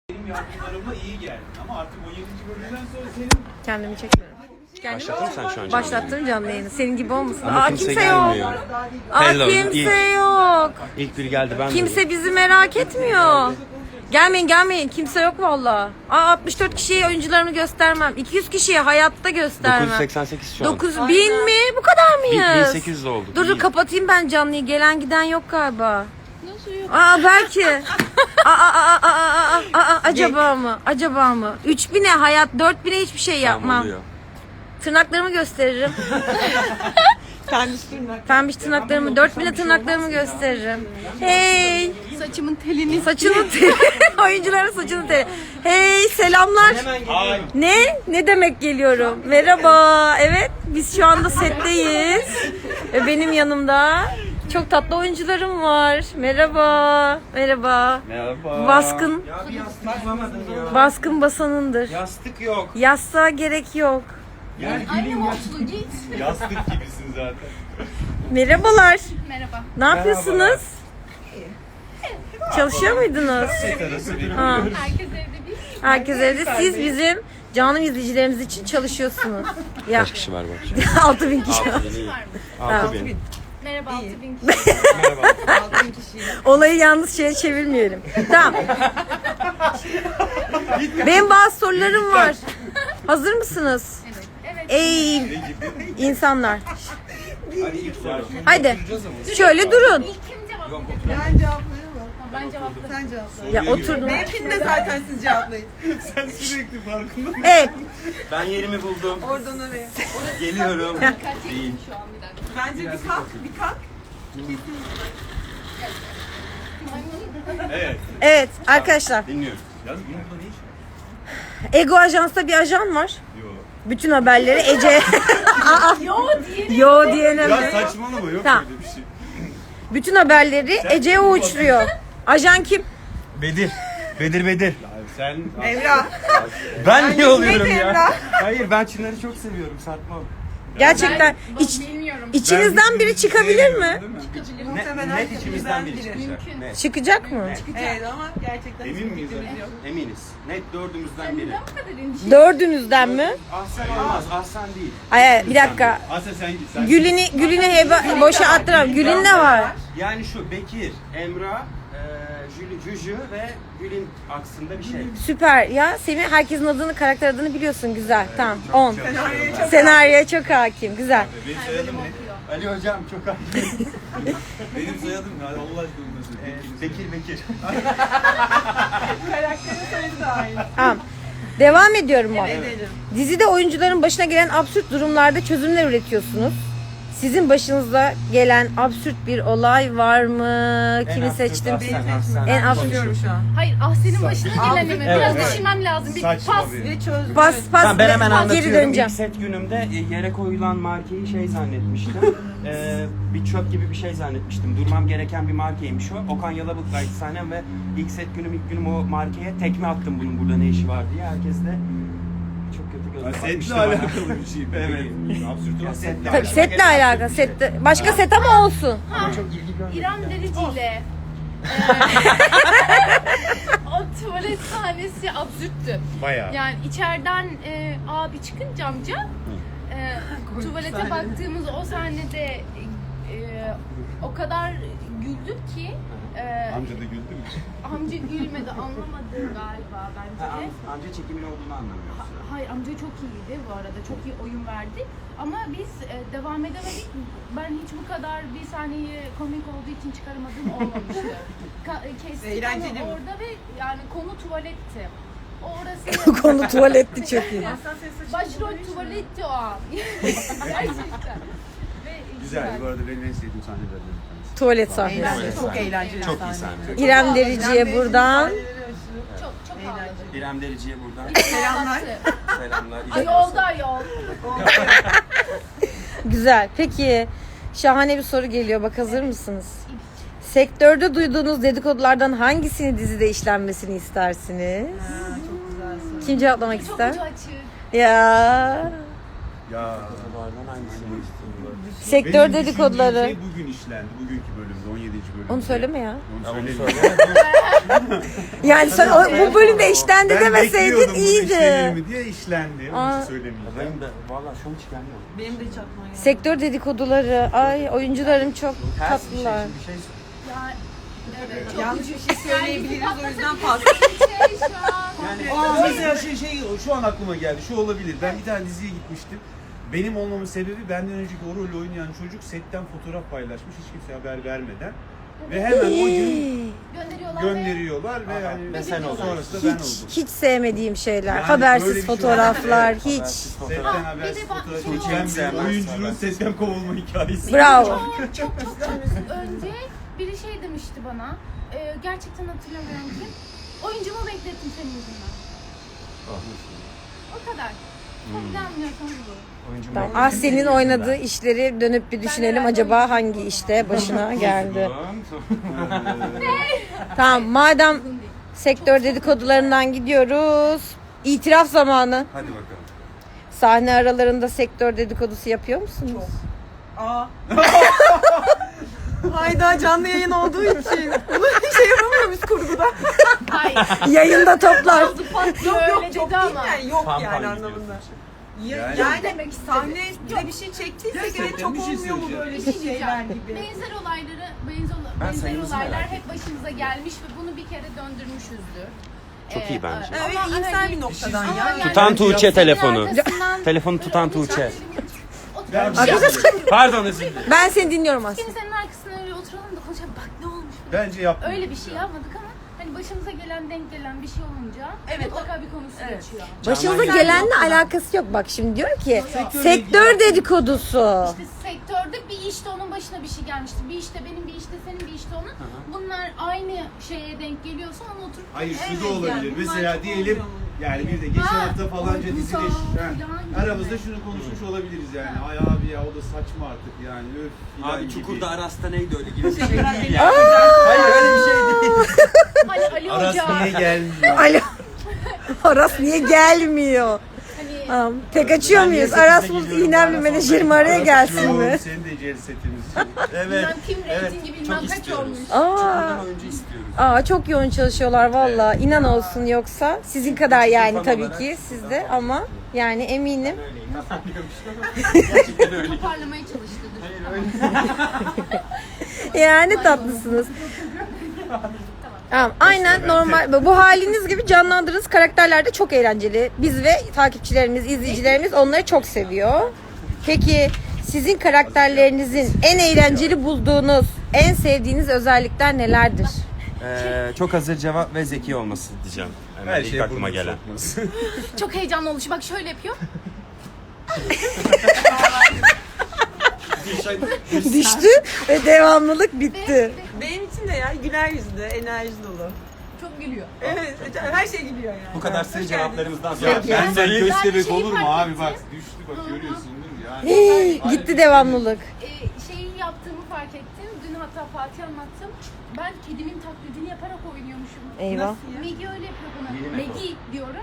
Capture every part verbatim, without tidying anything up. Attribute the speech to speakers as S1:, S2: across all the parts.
S1: Benim yaptıklarıma iyi geldi ama artık on yedinci bölümden sonra senin...
S2: Kendimi çekmiyorum. Kendimi
S3: Başlattın sen şu an canlı
S2: Başlattın canlı yayını. Senin gibi olmasın.
S3: Ama
S2: Aa
S3: kimse
S2: kimse,
S3: gelmiyor.
S2: yok. Aa
S3: Hello,
S2: kimse
S3: ilk-
S2: yok.
S3: İlk biri geldi ben
S2: Kimse bizi merak etmiyor. Gelmeyin gelmeyin. Kimse yok valla. Aa altmış dört kişiye oyuncularımı göstermem. iki yüz kişiye hayatta göstermem.
S3: dokuz yüz seksen sekiz şu an.
S2: dokuz bin mi? Bu kadar mıyız?
S3: bin sekiz yüz olduk.
S2: Dur dur
S3: İyi.
S2: kapatayım ben canlıyı. Gelen giden yok galiba. Nasıl yok? Aa belki. aa, aa, aa, aa, aa, aa, aa, acaba mı? Acaba mı? üç bine hayat, dört bine hiçbir şey
S3: Tamam,
S2: yapmam.
S3: oluyor.
S2: Tırnaklarımı gösteririm. Pembiş tırnaklarımı, dört bine tırnaklarımı gösteririm. Hey!
S4: Saçımın telini.
S2: Saçının teli. Oyuncuların saçının teli. Hey selamlar.
S1: Ay.
S2: Ne? Ne demek geliyorum? Merhaba. Evet biz şu anda setteyiz. Ve benim yanımda çok tatlı oyuncularım var. Merhaba. Merhaba.
S3: Merhaba.
S2: Baskın.
S3: Ya bir yastık bulamadın ya.
S2: Baskın basanındır.
S3: Yastık yok.
S2: Yastığa gerek yok.
S1: Yani
S4: Anne mutlu git.
S1: yastık gibisin zaten.
S2: Merhabalar.
S4: Merhaba.
S2: Ne yapıyorsunuz? Çalışıyor muydunuz? Ha.
S4: Herkes evde değil.
S2: Herkes evde. Siz bizim canlı izleyicilerimiz için çalışıyorsunuz. Ya
S3: Kaç kişi var bu akşam?
S2: altı bin kişi.
S3: altı bin iyi.
S4: Var mı?
S3: altı bin.
S4: Merhaba altı bin kişi.
S2: Olayı yalnız şeye çevirmeyelim. Tamam. Benim bazı sorularım var. Hazır mısınız?
S4: Evet. Evet.
S2: Ey insanlar.
S1: Hadi ilk soru.
S2: Haydi. Şöyle durun.
S4: İlk kim cevaplayacak?
S5: Ben cevaplayayım mı?
S4: Ben cevapladım.
S5: Sen cevapla.
S2: Ya oturdum.
S5: Benimkini de zaten siz cevaplayın.
S1: Sen sürekli farkında mısın?
S2: Evet.
S3: Ben yerimi buldum.
S5: Oradan oraya.
S3: Geliyorum.
S4: Kaç çektim şu an bir dakika.
S5: Bence bir kalk, bir kalk.
S1: Evet.
S2: Evet arkadaşlar.
S3: Dinliyorum.
S1: Yalnız bunun burada ne işi var?
S2: Ego Ajans'ta bir ajan var.
S1: Yo.
S2: Bütün haberleri Ece.
S4: Yo diye.
S2: Yo diyene.
S1: Ya saçmalama yok
S2: Tamam.
S1: öyle bir şey.
S2: Bütün haberleri Ece'ye uçuruyor. Ajan kim?
S3: Bedir. Bedir Bedir.
S1: Abi sen...
S5: Emrah.
S3: Ben niye oluyorum
S5: Bedir
S3: ya?
S5: Emrah.
S3: Hayır ben Çınar'ı çok seviyorum. Satmam.
S2: Gerçekten
S4: Ben
S2: iç,
S4: bilmiyorum.
S2: içinizden biri çıkabilir mi?
S1: Değil mi?
S3: Ne,
S5: Muhtemelen
S3: net içimizden biri
S5: biri.
S3: çıkacak.
S4: Mümkün.
S3: Net.
S2: Çıkacak mı?
S5: Evet ama gerçekten
S1: Emin
S5: hiçbir
S1: miyiz?
S5: fikrimiz yok.
S3: Eminiz. Net dördümüzden
S4: Sen
S3: biri.
S4: neden bu kadar endişeli?
S2: Dördünüzden mi?
S3: Ahsen olmaz. Ahsen değil.
S2: Ay, bir dakika.
S1: Asya sen git. Sen
S2: Gülünü, Gülünü heba, boşa attıram. Gülün ne var?
S3: Yani şu Bekir, Emrah, e, Jüli, Jüjü ve Gül'ün aksında bir şey.
S2: Süper ya. Semih herkesin adını, karakter adını biliyorsun. Güzel. Tamam. on.
S5: Senaryoya çok
S2: Senaryoya çok hakim. Güzel.
S1: Benim soyadım ne?
S3: Ali hocam çok haklı.
S1: Benim soyadım ne? Allah aşkına nasıl?
S3: E, Bekir Bekir.
S5: karakterin sayısı da aynı.
S2: Tamam. Devam ediyorum ben.
S5: Edelim.
S2: Dizide oyuncuların başına gelen absürt durumlarda çözümler üretiyorsunuz. Sizin başınıza gelen absürt bir olay var mı? Kimi
S3: En absürt
S2: seçtim?
S3: Ahsen, Ahsen.
S2: En absürt.
S5: Konuşuyorum şu an.
S4: Hayır ah senin başına geleni mi? Biraz
S3: Evet.
S4: düşünmem lazım. Bir
S1: Saçma
S4: pas.
S1: bir-
S5: Ve çözdüm.
S2: Pas pas.
S3: Tamam, ben hemen
S2: geri
S3: anlatıyorum.
S2: döneceğim.
S3: İlk set günümde e, yere koyulan markeyi şey zannetmiştim. Ee, bir çöp gibi bir şey zannetmiştim. Durmam gereken bir markeymiş o. Okan Yalabık'laydı sahnem ve ilk set günüm ilk günüm o markeye tekme attım bunun burada ne işi var diye. Herkes de çok kötü
S1: Ya
S3: gözle
S1: setle
S3: bakmıştı bana.
S1: alakalı bir şey.
S3: Evet.
S1: Absürt olan
S3: Setle
S2: Tabii
S3: alakalı.
S2: setle alakalı. Sette. Başka set ama olsun.
S3: Ama çok ilgi görmedim.
S4: İrem Derici ile o tuvalet sahnesi absürttü.
S1: Bayağı.
S4: Yani içeriden e, abi çıkınca amca e, tuvalete baktığımız o sahnede e, o kadar güldüm ki e,
S1: Amca da güldü mü?
S4: amca gülmedi anlamadı galiba bence
S3: Ha,
S4: de.
S3: am- amca çekimin olduğunu anlamıyorsun.
S4: Ha- Hayır amca çok iyiydi bu arada çok iyi oyun verdi ama biz e, devam edemedik. Ben hiç bu kadar bir sahneyi komik olduğu için çıkaramadığım olmamıştı. Ka- e, kestik
S5: Eğlenceli
S4: ama
S5: mi?
S4: orada ve yani konu tuvaletti. Orası
S2: Konu tuvaletti çok iyi.
S5: Aslan sesi saçma
S4: başrol
S5: olduğu için
S4: tuvaletti o an. Gerçekten. Ve
S1: Güzel. Bu arada benim en sevdiğim sahnelerden bir tanesi.
S2: Tuvalet sahnesi.
S5: Eğlenceli, çok eğlenceli.
S3: Çok iyi
S5: sahne.
S3: sahne.
S2: İrem Derici'ye buradan.
S4: Çok çok ağladım.
S3: İrem Derici'ye buradan
S5: Selamlar.
S3: selamlar.
S4: Ay yolda yol.
S2: Güzel. Peki şahane bir soru geliyor. Bak hazır mısınız? Sektörde duyduğunuz dedikodulardan hangisini dizide işlenmesini istersiniz?
S5: Ha, çok güzel soru.
S2: Kim cevaplamak
S4: Çok
S2: ister?
S4: ucu açık.
S2: Ya
S1: Ya.
S3: Bunlardan hangisini istiyorlar?
S2: Sektör
S1: Benim
S2: dedikoduları.
S1: düşündüğüm şey bugün işlendi. Bugünkü bölümde, on yedinci bölümde.
S2: Onu söyleme ya.
S1: Onu
S3: Onu
S1: söyleme.
S2: Yani sen o, bu bölümde işlendi
S1: Ben
S2: demeseydin
S1: bekliyordum bunu işlenir
S2: iyiydi.
S1: mi diye işlendi.
S2: Aa.
S1: Onu hiç söylemeyeceğim.
S3: Benim de valla şu hiç gelmiyor.
S5: Benim de hiç aklıma gelmedi.
S2: Sektör dedikoduları. Ay oyuncularım çok
S3: Ters bir şey,
S2: tatlılar.
S3: şimdi bir şey
S4: Ya, evet, çok
S5: Yanlış bir şey söyleyebiliriz
S4: Yani
S5: o yüzden
S4: bir
S5: fazla.
S4: şey şu an.
S1: Aa mesela şey, şey şu an aklıma geldi. Şu olabilir. Ben bir tane diziye gitmiştim. Benim olmamın sebebi benden önceki o rolü oynayan çocuk setten fotoğraf paylaşmış hiç kimseye haber vermeden. Ve hemen o gün
S4: Gönderiyorlar.
S1: gönderiyorlar ve yani
S3: ve sen oldun.
S1: sonrasında ben
S2: Hiç
S1: oldum.
S2: hiç sevmediğim şeyler.
S1: Yani böyle
S2: Habersiz
S1: bir şey
S2: fotoğraflar
S1: olmaz.
S2: hiç.
S3: Habersiz fotoğraf.
S1: Setten
S4: Aa,
S1: habersiz
S4: bir de bak-
S1: fotoğraf
S4: Tuğçe
S1: çeken bir
S3: sevmez.
S1: oyuncunun setten kovulma hikayesi.
S2: Bravo.
S4: Çok çok çok çok önce biri şey demişti bana. E, gerçekten hatırlamıyorum kim. Oyuncumu beklettim senin yüzünden. O kadar. Çok ne anlıyorsanız bu.
S3: Oyuncu
S2: Tamam.
S3: mu?
S2: Ah senin oynadığı işleri dönüp bir düşünelim acaba hangi işte başına geldi. Tamam madem sektör dedikodularından gidiyoruz. İtiraf zamanı.
S1: Hadi bakalım.
S2: Sahne aralarında sektör dedikodusu yapıyor musunuz?
S5: Aa. Hayda canlı yayın olduğu için. Bunu şey yapamıyor muyuz kurguda?
S4: Hayır.
S2: Yayında toplar.
S4: Yok
S5: Yok
S4: öyle
S5: yok çok
S4: dedi
S5: değil
S4: ama.
S5: yani yok
S3: Fan fan
S5: yani
S3: gidiyorsun
S5: anlamında. Ya,
S1: Yani-
S5: yani,
S4: Demek istedi.
S5: sahnede bir şey çektiysek
S1: Gerçekten
S5: evet çok
S1: bir şey
S5: olmuyor mu
S1: söyleyeceğim.
S5: böyle
S4: Bir şey
S5: bir şeyler
S4: diyeceğim.
S5: gibi.
S4: Benzer olayları, benzer,
S3: Ben
S4: benzer
S3: sayımızı
S4: olaylar
S3: merak
S4: hep başımıza gelmiş ve bunu bir kere döndürmüşüzdür.
S3: Çok iyi bence.
S5: Evet
S4: ama
S5: iyimser
S4: hani-
S5: bir noktadan
S4: ama
S5: ya.
S4: yani
S3: Tutan Tuğçe
S4: senin
S3: telefonu.
S4: arkasından
S3: Telefonu
S4: böyle
S3: tutan
S4: oturan
S3: Tuğçe.
S4: birinin-
S1: Ben-
S4: Oturalım.
S3: Pardon özür dilerim.
S2: Ben seni dinliyorum aslında.
S4: Şimdi senin arkasına öyle oturalım da konuşalım. Bak ne olmuş.
S1: Bence yaptım.
S4: Öyle bir şey yapmadık ama hani başımıza gelen denk gelen bir şey olunca
S5: Evet,
S4: mutlaka bir konusu
S5: evet.
S4: geçiyor.
S2: Başımıza
S3: Canan
S2: gelenle alakası yok. Bak şimdi diyor ki sektör dedikodusu.
S4: İşte sektörde bir işte onun başına bir şey gelmiştir. Bir işte benim, bir işte senin, bir işte onun. Bunlar aynı şeye denk geliyorsa onu oturup
S1: Hayır şu
S5: Evet,
S1: da olabilir.
S5: yani bunlar
S1: Mesela
S5: çok
S1: diyelim
S5: oluyor.
S1: yani bir de geçen
S4: Ha,
S1: hafta falanca
S4: duygusal
S1: dizide
S4: falan
S1: ha,
S4: gibi.
S1: aramızda şunu konuşmuş olabiliriz yani. Ay abi ya o da saçma artık yani. Öf filan
S3: Abi
S1: gibi.
S3: Çukur'da Aras'ta neydi öyle gibi bir şey
S5: Şeyler
S3: değil
S5: beni
S3: ya. Hayır öyle bir şey değil.
S4: Hani Ali
S1: Aras
S4: Hoca
S1: niye gelmiyor?
S2: Alo. Aras niye gelmiyor?
S4: hani
S2: Tamam. Tek açıyor
S3: Ben niye
S2: muyuz?
S3: sekizde
S2: Aras'ımız
S3: geliyorum,
S2: iğnemli
S3: Aras
S2: menajerim
S3: olmayı-
S2: araya
S1: Aras
S2: gelsin
S1: yok,
S2: mi?
S1: Senin de cer setimiz.
S3: Evet.
S4: bilmem kim
S3: Evet.
S4: reytingi bilmem
S3: Çok
S4: kaç
S3: istiyoruz.
S4: olmuş.
S2: Aa,
S3: Çukur'dan oyuncu istiyoruz.
S2: aa çok yoğun çalışıyorlar valla. İnan olsun yoksa sizin kadar yani
S3: Fan
S2: tabii
S3: olarak
S2: ki
S3: sizden
S2: sizde
S3: fazla.
S2: ama yani eminim.
S3: Öyleyim. Gerçekten öyle.
S4: Toparlamaya çalıştıdır.
S2: Yani tatlısınız. Tamam, aynen normal. Bu haliniz gibi canlandırdığınız karakterler de çok eğlenceli. Biz ve takipçilerimiz, izleyicilerimiz onları çok seviyor. Peki sizin karakterlerinizin en eğlenceli bulduğunuz, en sevdiğiniz özellikler nelerdir?
S3: Ee, çok hazır cevap ve zeki olması diyeceğim. Hemen
S1: Her
S3: ilk
S1: şey
S3: aklıma
S1: burnunu
S3: gelen.
S1: sokması.
S4: Çok heyecanlı olmuş. Bak şöyle yapıyor.
S2: Düştü ve devamlılık bitti.
S5: Benim için de ya güler yüzlü, enerji dolu.
S4: Çok gülüyor.
S5: Evet, her şey gülüyor yani.
S3: Bu kadar sığ
S5: Hoş
S3: cevaplarımızdan
S1: Ya
S3: sonra.
S1: ben de
S4: Ben
S1: köstebek
S4: şeyi
S1: olur mu
S4: fark
S1: abi
S4: ettim.
S1: bak düştü bak görüyorsun değil mi yani.
S2: Hii, gitti devamlılık.
S4: Ee, şeyi yaptığımı fark ettim. Dün hatta Fatih anlattım. Ben kedimin taklidini yaparak oynuyormuşum.
S2: Eyvah.
S5: Nasıl ya?
S4: Megi öyle yapıyor bana.
S3: Yeni mi?
S4: Megi diyorum.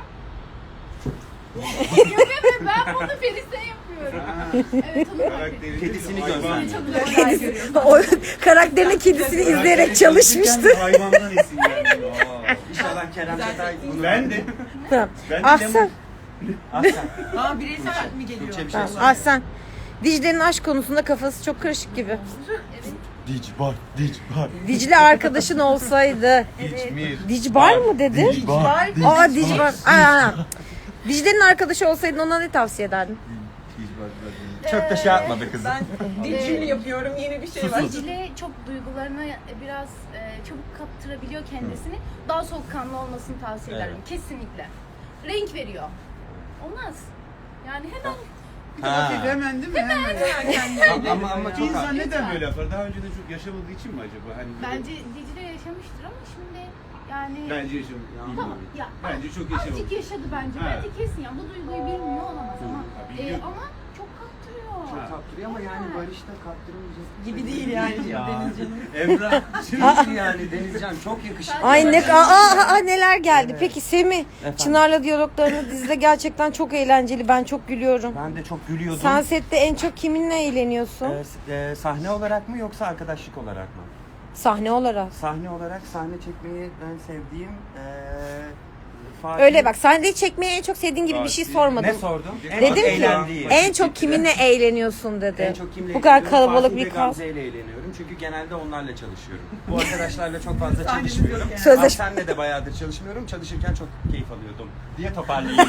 S4: Yok evet ben bunu Feris'e yapıyorum. Evet onu fark ettim.
S1: Karakteri
S3: Kedisini
S1: hayvan.
S3: gözlemliyor.
S4: Çok güzel olay görüyorum.
S2: O karakterine kedisini izleyerek çalışmıştı.
S1: Hayvandan esinlendim. Aa.
S3: İnşallah Kerem Çetay bunu
S1: Ben de.
S2: Tamam.
S1: Ben de
S2: Ahsen.
S3: Aslen.
S5: Aa bireysel mi geliyor?
S3: Tuğçe bir şey
S2: Tamam,
S3: söyle.
S2: Ahsen. Dicle'nin aşk konusunda kafası çok karışık gibi.
S1: Dicbar, Dicbar.
S2: Dicle arkadaşın olsaydı.
S1: Dicmir.
S2: Dicbar mı dedin?
S1: Dicbar.
S2: Aa Dicbar. Aa. Dicle'nin arkadaşı olsaydın ona ne tavsiye ederdin?
S3: Çok da şey yapmadı kızım.
S5: Ben dilcil yapıyorum yeni bir şey var.
S4: Dicle çok duygularına biraz e, çabuk kaptırabiliyor kendisini. Daha soğukkanlı olmasını tavsiye ederim. Kesinlikle. Renk veriyor. Olmaz. Yani hemen
S3: Ha.
S1: Hemen değil mi? Hemen.
S3: Ama, ama, ama
S1: Bir
S3: çok
S1: insan
S3: haklı.
S1: neden böyle yapar? Daha önce de çok yaşamadığı için mi acaba? Hani böyle-
S4: bence Dicle yaşamıştır ama şimdi yani
S1: Bence yaşamadı.
S4: tamam ya
S1: Bence çok yaşamadı.
S4: azıcık yaşadı bence.
S1: Ha.
S4: Bence kesin ya bu duyguyu bilmiyor olamaz ama
S1: Ha,
S4: e,
S1: biliyor.
S4: ama çok kaptırıyor.
S3: çok kaptırıyor ama yani Barış da kaptırmayacak.
S5: Gibi değil yani
S3: ya.
S5: Denizcan'ın.
S1: Emrah.
S3: Değil yani Denizcan çok yakışıklı.
S2: Ay ne aa, aa, aa, neler geldi. Peki Semih,
S3: Efendim?
S2: Çınar'la diyaloglarını dizide gerçekten çok eğlenceli. Ben çok gülüyorum.
S3: Ben de çok gülüyordum.
S2: Sen sette en çok kiminle eğleniyorsun?
S3: Ee, s- e, sahne olarak mı yoksa arkadaşlık olarak mı?
S2: Sahne olarak.
S3: Sahne olarak sahne çekmeyi ben sevdiğim e, Fatih...
S2: Öyle bak, sahneyi çekmeyi en çok sevdiğin gibi bir şey sormadım.
S3: Ne sordum? En
S2: Dedim
S3: çok
S2: ki
S3: eğlendiğim.
S2: en çok kiminle eğleniyorsun dedi.
S3: En çok kimle
S2: Bu kadar
S3: eğleniyorum?
S2: kalabalık
S3: Fatih
S2: bir
S3: ve
S2: kas.
S3: Gamze ile eğleniyorum. Çünkü genelde onlarla çalışıyorum. Bu arkadaşlarla çok fazla çalışmıyorum.
S2: Sözleş-
S3: Senle de bayağıdır çalışmıyorum. Çalışırken çok keyif alıyordum diye toparlayayım.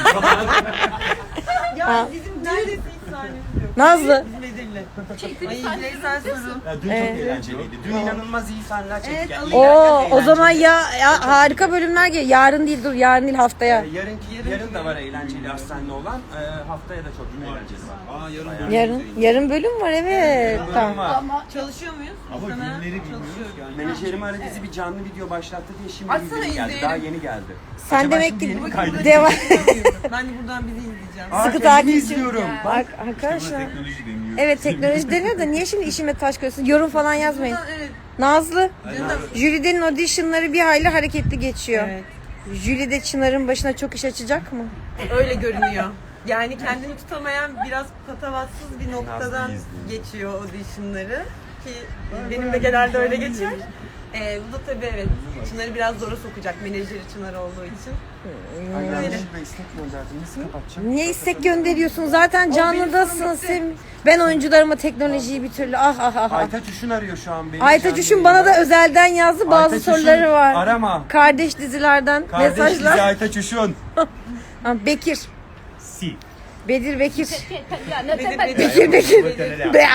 S5: Ya bizim neredeyse hiç sahnemiz yok.
S2: Nazlı.
S5: Bizim Bedir'le.
S4: Çektiğimiz
S5: Ay bireysel sorun.
S3: Ya dün
S2: Evet.
S3: çok eğlenceliydi. Dün inanılmaz iyi sahneler çektik.
S5: Evet,
S3: Yani
S5: alın.
S3: iyi derken
S2: Oo, o zaman
S3: eğlenceli.
S2: ya, ya harika bölümler geliyor. Yarın değil dur, yarın değil haftaya.
S3: Ee, yarın, yarın da var eğlenceli hastanede olan. Ee, haftaya da çok eğlenceli var.
S1: Aa yarın
S3: Bayağı.
S1: bölüm
S2: Yarın
S1: izleyin.
S2: yarın bölüm var evet.
S3: Bölüm
S2: Tamam.
S3: var.
S4: Ama
S5: Çalışıyor muyuz?
S1: Ama
S5: Muhtemelen
S1: günleri bilmiyoruz
S5: çalışıyoruz.
S1: yani.
S3: Menajerim aradı bizi bir canlı video başlattı diye şimdi
S5: Açsana,
S3: bildirim geldi.
S5: izleyelim.
S3: Daha yeni geldi.
S2: Sen
S3: Acaba
S2: demek
S3: şimdi
S2: ki
S3: yeni mi
S5: Bakın
S3: kaydı?
S5: burada
S2: Devam-
S5: izleyemiyoruz. Ben de buradan bizi izleyeceğim.
S3: Aa,
S2: Sıkı
S3: kendimi
S2: takipçi.
S3: izliyorum.
S2: Bak
S1: Buna
S2: arkadaşlar.
S1: teknoloji deniyor.
S2: Evet teknoloji deniyor da niye şimdi işime taş koyuyorsun? Yorum falan yazmayın.
S5: Buradan, evet.
S2: Nazlı,
S5: Canım.
S2: Jüride'nin auditionları bir hayli hareketli geçiyor.
S5: Evet.
S2: Jüride Çınar'ın başına çok iş açacak mı?
S5: Öyle görünüyor. Yani kendini tutamayan biraz patavatsız bir noktadan
S3: Nazlı izliyor.
S5: geçiyor auditionları ki benim de genelde öyle geçer. Ee, bu da tabii evet Çınar'ı biraz zora sokacak menajeri Çınar olduğu için.
S3: Ay
S5: Öyle.
S3: yanlışlıkla istek gönderdim. Nasıl kapatacağım?
S2: Niye istek gönderiyorsun? Zaten canlıdasın Semih. Ben oyuncularıma teknolojiyi bir türlü ah ah ah. ah.
S3: Aytaç Üşün arıyor şu an beni.
S2: Aytaç
S3: Canlı
S2: Üşün bana da
S3: yayında.
S2: özelden yazdı. Bazı
S3: Aytaç Üşün,
S2: soruları var.
S3: arama.
S2: Kardeş dizilerden
S3: Kardeş dizi
S2: mesajlar.
S3: Aytaç Üşün.
S2: Ha, Bekir.
S1: Si.
S2: Bedir Bekir.
S4: ya ne
S5: Bedir,
S4: tepe-
S5: Bedir.
S2: Bekir Bekir. Be-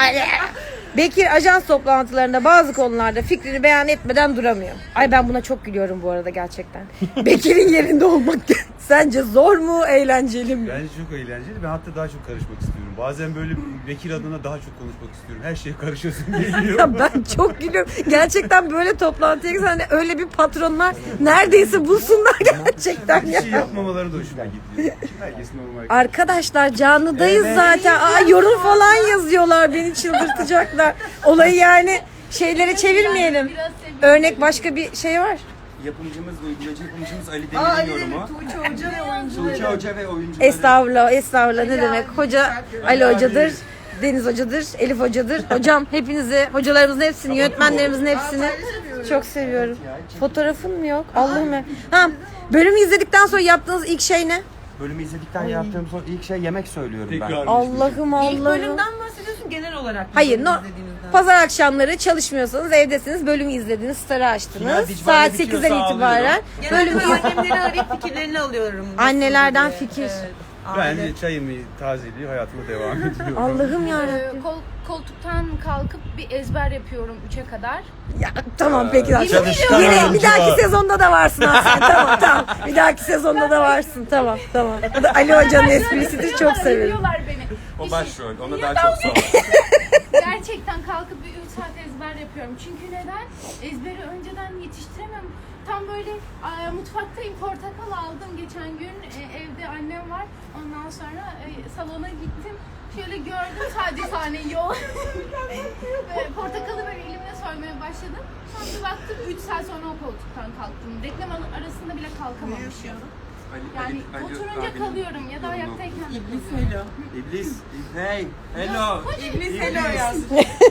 S2: Bekir ajans toplantılarında bazı konularda fikrini beyan etmeden duramıyor. Ay ben buna çok gülüyorum bu arada gerçekten. Bekir'in yerinde olmak sence zor mu, eğlenceli mi?
S1: Bence çok eğlenceli. Ben hatta daha çok karışmak istiyorum. Bazen böyle Bekir adına daha çok konuşmak istiyorum. Her şeye karışıyorsun geliyor.
S2: Ya ben çok gülüyorum. Gerçekten böyle toplantıya gitsen hani öyle bir patronlar neredeyse bulsunlar gerçekten
S1: Bir
S2: ya.
S1: şey yapmamaları da hoşuma gidiyor. Herkes normal.
S2: Arkadaşlar canlıdayız
S3: Evet.
S2: zaten. Aa, yorum falan yazıyorlar beni çıldırtacaklar. Olayı yani şeylere çevirmeyelim.
S4: Biraz sevdim.
S2: Örnek başka bir şey var.
S3: Yapımcımız, uygulayıcı yapımcımız Ali
S5: Aa,
S3: Demir'in
S5: Ali
S3: yorumu.
S5: Demir, Tuğçe Hoca ve oyuncuları.
S3: Tuğçe Hoca ve oyuncuları.
S2: Estağfurullah, estağfurullah ne demek. Hoca Ali
S3: Ali
S2: Hoca'dır,
S3: abi.
S2: Deniz Hoca'dır, Elif Hoca'dır. Hocam hepinizi, hocalarımızın hepsini, yönetmenlerimizin hepsini çok seviyorum. Fotoğrafın mı yok? Allah'ım ya. Ha, bölümü izledikten sonra yaptığınız ilk şey ne?
S3: Bölümü izledikten yaptığım son ilk şey yemek söylüyorum ben.
S1: Tekrar.
S2: Allah'ım
S5: İlk
S2: Allah'ım.
S5: bölümden bahsediyorsun genel olarak.
S2: Hayır, no,
S5: izlediğinizden.
S2: pazar akşamları çalışmıyorsanız evdesiniz, bölümü izlediniz, starı
S3: Final
S2: açtınız.
S3: Dicbal'de
S2: Saat
S3: bitiyorsa
S2: sekizden itibaren
S5: Genelde
S2: bölümü
S5: annemleri arayıp fikirlerini alıyorum. Nasıl
S2: Annelerden
S5: diye.
S2: fikir.
S5: Evet,
S1: Ben
S5: aile.
S1: de çayımı tazeliği hayatıma devam ediyorum.
S2: Allah'ım
S4: Ee,
S2: yarabbim.
S4: kol, koltuktan kalkıp bir ezber yapıyorum üçe kadar.
S2: Ya tamam peki.
S1: Ee,
S3: çalışkan
S2: Yine bir
S3: oyuncu.
S2: dahaki sezonda da varsın aslında. Tamam tamam. Bir dahaki sezonda da varsın. Tamam tamam. Bu da Ali Hoca'nın esprisidir. Çok severim.
S4: Biliyorlar beni.
S3: O
S4: Bir
S3: başrol. Ona
S4: Ya
S3: daha
S4: ben-
S3: çok sor.
S4: Gerçekten kalkıp bir üç saat ezber yapıyorum. Çünkü neden? Ezberi önceden yetiştiremem. Tam böyle e, mutfaktayım, portakal aldım geçen gün. E, evde annem var. Ondan sonra e, salona gittim. Şöyle gördüm sadece sahneyi yol. Ve portakalı böyle elimle soymaya başladım. Sonra bir baktım üç saat sonra o koltuktan kalktım. Reklam arasında bile kalkamamışım.
S3: Ali-
S4: Yani
S3: Ali- Ali
S4: oturunca
S3: abinin
S4: kalıyorum ya da
S3: yorumu.
S4: ayaktayken de
S5: İblis
S4: kalıyorum.
S5: Hello.
S3: İblis. Hey. Hello.
S5: İblis Hello yazmış.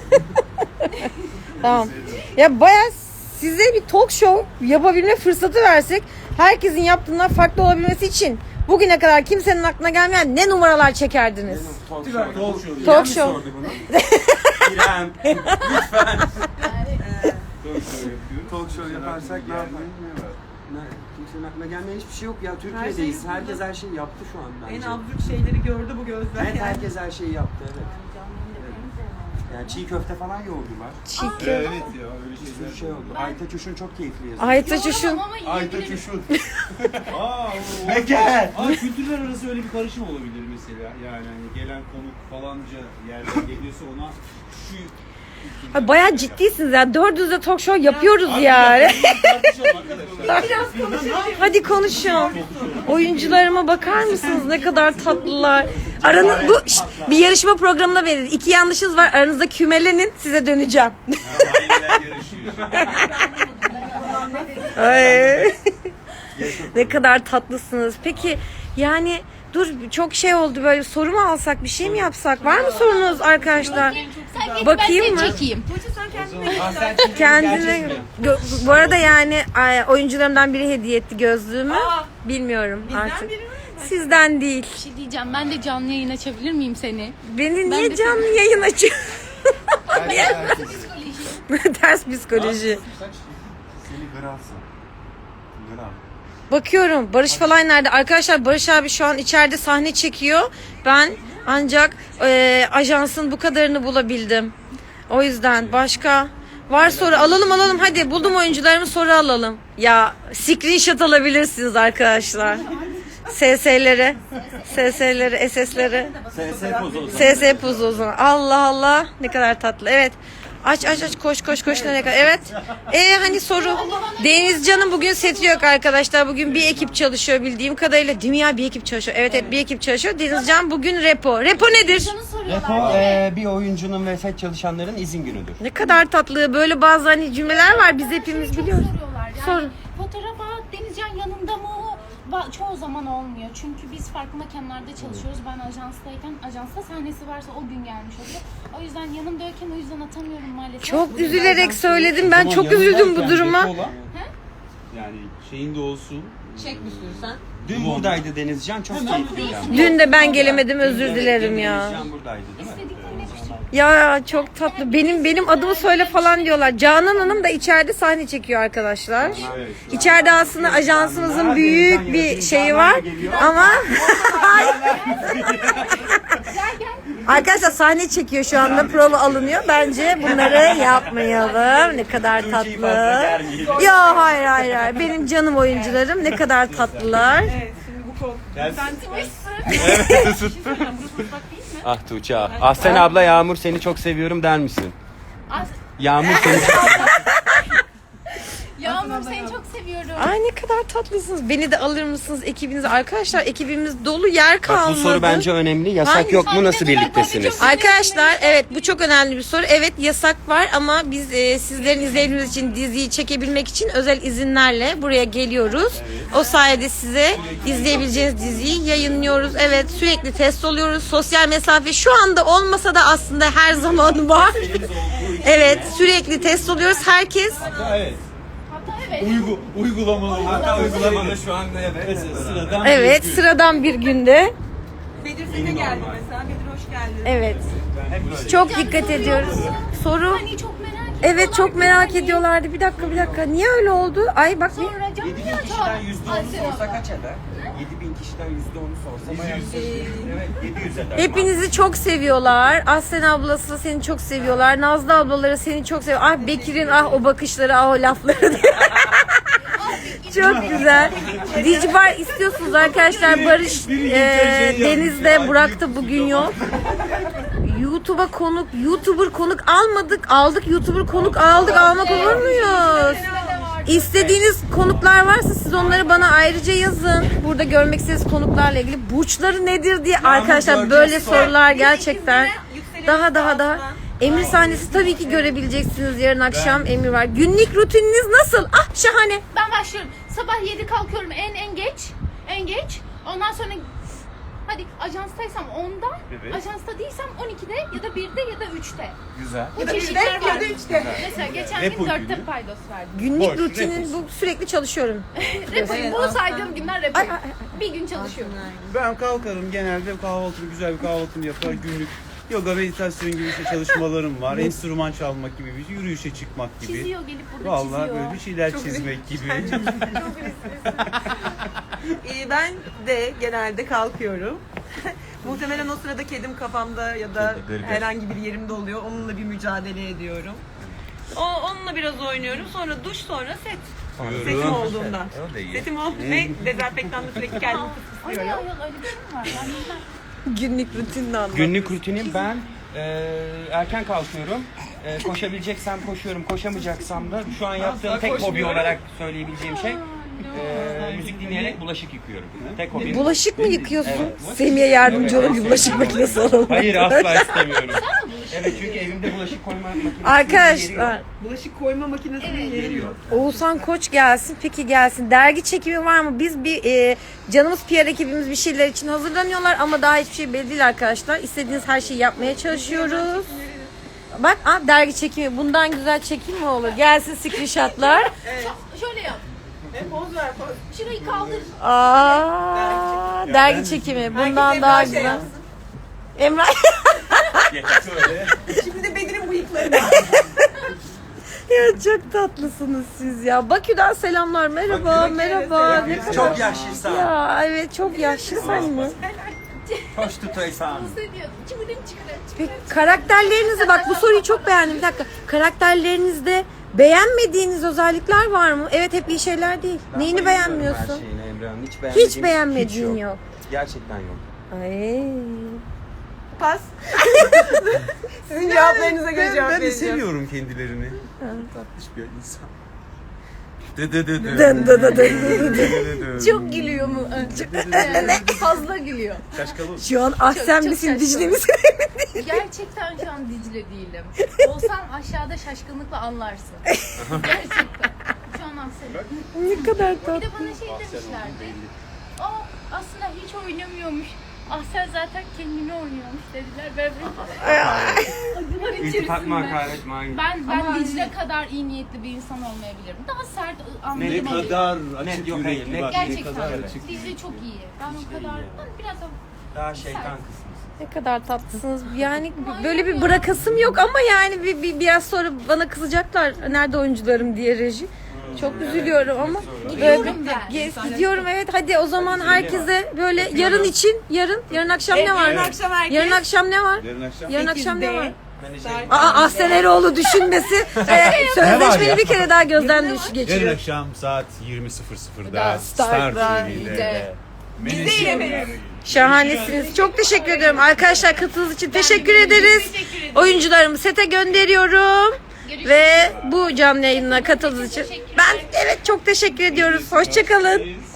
S2: Tamam. Ya bayağı size bir talk show yapabilme fırsatı versek herkesin yaptığından farklı olabilmesi için bugüne kadar kimsenin aklına gelmeyen ne numaralar çekerdiniz?
S3: Talk
S1: Talk
S3: show.
S1: show.
S3: İrem
S2: Talk
S3: mi
S2: show.
S3: sordu bunu? İrem. Lütfen.
S4: Yani
S1: Talk show yapıyoruz.
S3: Talk show
S1: Senin
S3: yaparsak
S1: aklına
S3: ne yapar?
S1: gelmeyen ne var?
S3: Ne? Kimsenin aklına gelmeyen hiçbir şey yok ya.
S5: Her
S3: Türkiye'deyiz.
S5: şey
S3: Herkes her şeyi yaptı şu an bence.
S5: En absürt şeyleri gördü bu gözler.
S3: Evet,
S5: yani.
S3: herkes her şeyi yaptı evet. Yani çiğ köfte falan yoğurdular.
S2: Çiğ
S1: Evet ya öyle
S3: Bir
S1: şeyler.
S3: sürü şey oldu. Aytaç Uşun çok keyifli yazıyor.
S2: Aytaç Uşun.
S4: yoğuramam ama
S1: Aytaç
S4: yiyebilirim.
S1: Uşun. Aa, o-
S3: Beker!
S1: Aa, kültürler arası öyle bir karışım olabilir mesela. Yani hani gelen konuk falanca yerden geliyorsa ona şu
S2: Ay, bayağı ciddisiniz ya. Dördünüz de talk show yapıyoruz yani. Hadi konuşun. Oyuncularıma bakar mısınız? Ne kadar tatlılar. Aranız bu şşt, bir yarışma programına verin. İki yanlışınız var. Aranızda kümelenin. Size döneceğim. Ay. Ne kadar tatlısınız. Peki yani dur çok şey oldu böyle soru mu alsak bir şey mi yapsak? Var mı sorunuz arkadaşlar? Bakayım mı?
S4: Çekeyim.
S2: Kendine Gö- bu arada yani ay, oyuncularımdan biri hediye etti gözlüğümü. Bilmiyorum artık. Sizden değil.
S4: Bir şey diyeceğim. Ben de canlı yayın açabilir miyim seni?
S2: Beni niye
S4: de
S2: canlı yayın açıyor? Ters psikoloji.
S1: Seni grafsın. Graf.
S2: Bakıyorum Barış falan nerede? Arkadaşlar Barış abi şu an içeride sahne çekiyor. Ben ancak e, ajansın bu kadarını bulabildim. O yüzden başka var soru alalım alalım hadi buldum oyuncularımı soru alalım. Ya screenshot alabilirsiniz arkadaşlar. S S'leri, S S'leri, S S'leri.
S3: S S pozu.
S2: S S pozu o zaman. Allah Allah ne kadar tatlı. Evet. Aç aç aç koş koş koş nereye kadar. Evet. Ee hani soru. Denizcan'ın bugün seti yok arkadaşlar. Bugün bir ekip çalışıyor bildiğim kadarıyla. Değil mi ya bir ekip çalışıyor. Evet evet bir ekip çalışıyor. Denizcan bugün repo. Repo nedir?
S4: Şunu soruyorlar.
S3: Repo e, bir oyuncunun ve set çalışanların izin günüdür.
S2: Ne kadar tatlı. Böyle bazı hani cümleler var. Biz hepimiz
S4: Çok
S2: biliyoruz.
S4: soruyorlar. Yani
S2: Sorun.
S4: fotoğrafa Denizcan yanında mı? Ba- Çoğu zaman olmuyor. Çünkü biz farklı mekanlarda çalışıyoruz. Ben ajanstayken ajansta sahnesi varsa o gün gelmiş oluyor. O yüzden yanımdayken o yüzden atamıyorum maalesef.
S2: Çok üzülerek söyledim. Ben çok üzüldüm bu duruma.
S1: Yani şeyin de olsun.
S3: Dün buradaydı Denizcan, çok keyifliydi. ama.
S2: Dün de ben gelemedim özür dilerim ya.
S3: Denizcan buradaydı değil mi?
S4: İstediklerini yapıştırıyorum.
S2: Ya çok tatlı. Benim benim adımı söyle falan diyorlar. Canan Hanım da içeride sahne çekiyor arkadaşlar. İçeride aslında ajansımızın büyük bir şeyi var. Ama arkadaşlar sahne çekiyor şu anda prova alınıyor. Bence bunları yapmayalım. Ne kadar tatlı. Ya hayır hayır hayır. Benim canım oyuncularım ne kadar tatlılar.
S5: Evet şimdi bu kol.
S3: Ah Tuğçe ah. Ah sen abla Yağmur seni çok seviyorum der misin?
S4: Az-
S3: Yağmur seni çok
S4: Yağmur seni çok seviyorum.
S2: Ay ne kadar tatlısınız. Beni de alır mısınız ekibinize? Arkadaşlar ekibimiz dolu yer
S3: Bak
S2: kalmadı.
S3: bu soru bence önemli. Yasak
S2: Hangi-
S3: yok mu? Nasıl birliktesiniz?
S2: Arkadaşlar evet bu çok önemli bir soru. Evet yasak var ama biz e, sizlerin izleyebilmeniz için diziyi çekebilmek için özel izinlerle buraya geliyoruz. O sayede size izleyebileceğiniz diziyi yayınlıyoruz. Evet sürekli test oluyoruz. Sosyal mesafe şu anda olmasa da aslında her zaman var. Evet sürekli test oluyoruz. Herkes
S1: Hatta evet.
S4: Hatta evet.
S1: Uygu, uygulamalı. Hatta uygulamalı
S3: şu anda evet.
S1: sıradan.
S2: evet sıradan bir günde.
S5: Bedir sete geldi mesela. Bedir hoş geldin.
S2: Evet. Çok dikkat ediyoruz. Soru.
S4: Hani çok merak ediyorlar.
S2: Evet çok merak ediyorlardı. Bir dakika bir dakika. Niye öyle oldu? Ay bak bir.
S4: Sonra canlı
S3: yedi bin
S4: yatağı.
S3: kişiden yüzde onu
S4: Ay,
S3: sorsa kaç eder? yedi bin kişiden yüzde onu sorsa bayağı evet yedi yüz eder.
S2: Hepinizi çok seviyorlar. Aslen ablası seni çok seviyorlar. Nazlı ablaları seni çok seviyor. Ah Bekir'in ah o bakışları ah o lafları. Çok güzel. Dicibar istiyorsunuz arkadaşlar. Barış e, Deniz'de Burak da bugün yok. YouTube'a konuk, YouTuber konuk almadık. Aldık YouTuber konuk aldık. Almak olur muyuz? İstediğiniz konuklar varsa siz onları bana ayrıca yazın. Burada görmek istediğiniz konuklarla ilgili burçları nedir diye arkadaşlar böyle sorular gerçekten daha daha daha Emir sahnesi tabii ki görebileceksiniz yarın akşam. Emir var. Günlük rutininiz nasıl? Ah şahane.
S4: Ben başlıyorum. Sabah yedi kalkıyorum en en geç. En geç. Ondan sonra hadi ajanstaysam onda,
S1: Evet.
S4: ajansta değilsem on ikide ya da birde ya da üçte.
S1: Güzel.
S4: Bu
S5: Ya da
S4: çeşitler
S5: birde ya
S4: var.
S5: da üçte.
S4: Mesela geçen
S1: Repo
S4: gün dörtte
S1: günü.
S4: paydos verdim.
S2: Günlük
S1: Boş,
S2: rutinin
S1: repos.
S2: bu sürekli çalışıyorum.
S4: Repo, bu saydığım günler repo.
S2: Ay, ay, ay.
S4: Bir gün çalışıyorum.
S1: Ben kalkarım genelde kahvaltımı güzel bir kahvaltımı yapar günlük yoga meditasyon gibi işte çalışmalarım var. Enstrüman çalmak gibi bir şey, yürüyüşe çıkmak gibi.
S4: Çiziyor gelip burada
S1: Vallahi
S4: çiziyor.
S1: böyle bir şeyler çizmek gibi.
S5: Ee, ben de genelde kalkıyorum. Muhtemelen o sırada kedim kafamda ya da
S3: Kedi, gırgır.
S5: herhangi bir yerimde oluyor. Onunla bir mücadele ediyorum. O, onunla biraz oynuyorum. Sonra duş, sonra set. Setim olduğunda.
S3: O da iyi.
S5: Setim oldu ve dezenfektanla sürekli kendimi
S4: Ay
S5: ısıtıyorum.
S4: ay öyle bir şey mi var? Ben bilmem.
S2: Günlük rutinini anlat.
S3: Günlük rutinim ben Ee, erken kalkıyorum. Ee, koşabileceksem koşuyorum, koşamayacaksam da şu an yaptığım
S5: Asla
S3: tek hobi
S5: koşmuyorum.
S3: olarak söyleyebileceğim şey ee, müzik dinleyerek bulaşık yıkıyorum. Tek hobim.
S2: Bulaşık mı yıkıyorsun?
S3: Evet.
S2: Semih'e yardımcı olun, bir bulaşık makinesi alalım.
S3: Hayır, asla istemiyorum. Evet, çünkü evimde bulaşık koyma makinesi yeri
S2: Arkadaşlar,
S3: yok.
S5: Bulaşık koyma makinesinin yeri yok.
S2: Oğuzhan Koç gelsin, peki gelsin. Dergi çekimi var mı? Biz bir e, canımız P R ekibimiz bir şeyler için hazırlanıyorlar ama daha hiçbir şey belli değil arkadaşlar. İstediğiniz her şeyi yapmaya çalışıyoruz. Bak, aa, dergi çekimi. Bundan güzel çekim mi olur? Gelsin screenshotlar.
S4: Şöyle yap.
S5: E, poz ver poz.
S4: Şurayı kaldır.
S2: Aa, dergi çekimi. Bundan
S5: Herkes
S2: daha
S5: Emrah şey
S2: güzel.
S5: yapsın.
S2: Emrah.
S1: Şöyle.
S5: Şimdi de Bedir'in bıyıklarını.
S2: Ya çok tatlısınız siz ya. Bakü'den selamlar. Merhaba, merhaba. Ne kadar...
S3: Çok yaşlısın.
S2: Ya evet, çok yaşlısın mı?
S3: Hoş tutuysan.
S4: Nasıl diyor? Çıkırın çıkırın.
S2: Peki karakterlerinizi, bak bu soruyu çok beğendim. Bir dakika. Karakterlerinizde beğenmediğiniz özellikler var mı? Evet, hep iyi şeyler değil. Neyini beğenmiyorsun?
S3: Her şeyini Emre'nin. Hiç beğenmediğim
S2: Hiç beğenmediğin
S3: hiç
S2: yok.
S3: Gerçekten yok.
S2: Ay.
S5: Pas. Sizin cevaplarınıza göre
S1: Ben,
S5: cevap
S1: ben de
S5: vereceğim.
S1: seviyorum kendilerini. Tatlış bir insan. Dı dı dı dı.
S2: Dın dı dı dı.
S1: Dı dı dı.
S4: Çok gülüyor mu? Yani fazla gülüyor.
S1: Şaşkalı.
S2: Şu an Ahsen
S4: çok
S2: misin,
S4: şaşkın.
S2: Dicle misin?
S4: Gerçekten şu an Dicle değilim. Olsam aşağıda şaşkınlıkla anlarsın. Gerçekten. Şu an Ahsen.
S2: Ne kadar
S4: Bir
S2: tatlı.
S4: de bana şey demişlerdi. O aslında hiç oynamıyormuş. Ahsen zaten kendini oynuyormuş dediler. Ben acılar
S3: İltifat
S4: içerisinde.
S3: mı, hakaret mi? hangi-
S4: Ben ben
S5: Ama
S4: Dicle
S5: anne-
S4: kadar iyi niyetli bir insan olmayabilirim. Daha sert
S1: Ne
S4: anlayabilirim.
S1: kadar
S3: Ne-
S1: açık
S3: yok, hayır,
S1: yürekli
S3: ne-
S1: bak. Ne
S4: Gerçekten.
S1: kadar açık.
S4: Dicle çok iyi. Ben o kadar ben biraz da
S3: Daha şeytan kısmı.
S2: Ne kadar tatlısınız. Yani böyle bir bırakasım yok ama yani bir, bir biraz sonra bana kızacaklar. Nerede oyuncularım diye reji. Çok üzülüyorum ama böyle
S4: Gidiyorum ben.
S2: Ge- gidiyorum, evet. Hadi o zaman herkese böyle yarın için, yarın yarın akşam ne var?
S5: Yarın akşam herkes.
S2: Yarın akşam ne var?
S1: Yarın akşam.
S2: Yarın akşam ne var?
S3: Menajerim.
S2: Aa, Ahsen Eroğlu düşünmesi. e, sözleşmeni
S1: ya?
S2: bir kere daha gözden düş
S1: Yarın
S2: geçiriyor.
S1: akşam saat yirmi sıfır sıfırda
S2: Da
S1: Star
S2: Star'da.
S1: T V'de.
S4: de.
S1: Menajerim.
S2: Şahanesiniz. Çok teşekkür ediyorum arkadaşlar, katıldığınız için teşekkür ederiz. Oyuncularımı sete gönderiyorum. Ve bu canlı yayınına katıldığınız için ben evet çok teşekkür ediyoruz. Hoşçakalın.